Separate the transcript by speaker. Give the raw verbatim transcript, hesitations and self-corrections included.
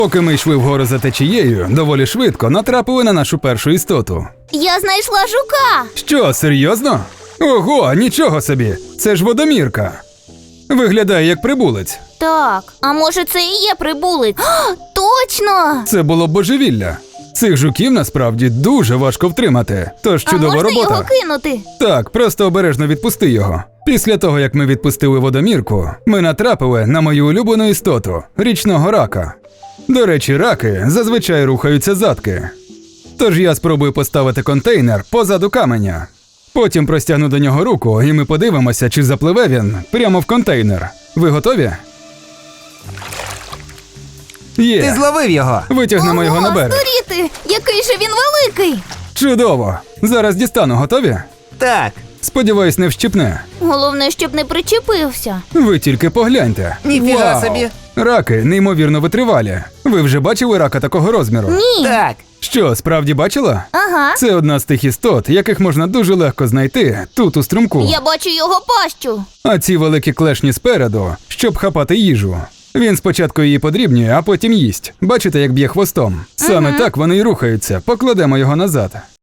Speaker 1: Поки ми йшли вгору за течією, доволі швидко натрапили на нашу першу істоту.
Speaker 2: Я знайшла жука.
Speaker 1: Що, серйозно? Ого, нічого собі! Це ж водомірка. Виглядає як прибулець.
Speaker 2: Так, а може це і є прибулець? О, точно!
Speaker 1: Це було божевілля. Цих жуків насправді дуже важко втримати, тож
Speaker 2: А
Speaker 1: чудова
Speaker 2: можна
Speaker 1: робота.
Speaker 2: його кинути?
Speaker 1: Так, просто обережно відпусти його. Після того, як ми відпустили водомірку, ми натрапили на мою улюблену істоту – річного рака. До речі, раки зазвичай рухаються задки. Тож я спробую поставити контейнер позаду каменя. Потім простягну до нього руку, і ми подивимося, чи запливе він прямо в контейнер. Ви готові? Є!
Speaker 3: Ти зловив його.
Speaker 1: Витягнемо його на
Speaker 2: Ого,
Speaker 1: берег.
Speaker 2: здуріти! Який же він великий!
Speaker 1: Чудово! Зараз дістану, готові?
Speaker 3: Так.
Speaker 1: Сподіваюсь, не вщипне.
Speaker 2: Головне, щоб не причепився.
Speaker 1: Ви тільки погляньте.
Speaker 3: Ніфіга
Speaker 1: Вау!
Speaker 3: собі.
Speaker 1: Раки неймовірно витривалі. Ви вже бачили рака такого розміру?
Speaker 2: Ні.
Speaker 3: Так.
Speaker 1: Що, справді бачила?
Speaker 2: Ага.
Speaker 1: Це одна з тих істот, яких можна дуже легко знайти тут у струмку.
Speaker 2: Я бачу його пащу.
Speaker 1: А ці великі клешні спереду, щоб хапати їжу. Він спочатку її подрібнює, а потім їсть. Бачите, як б'є хвостом? Саме так вони й рухаються. Покладемо його назад.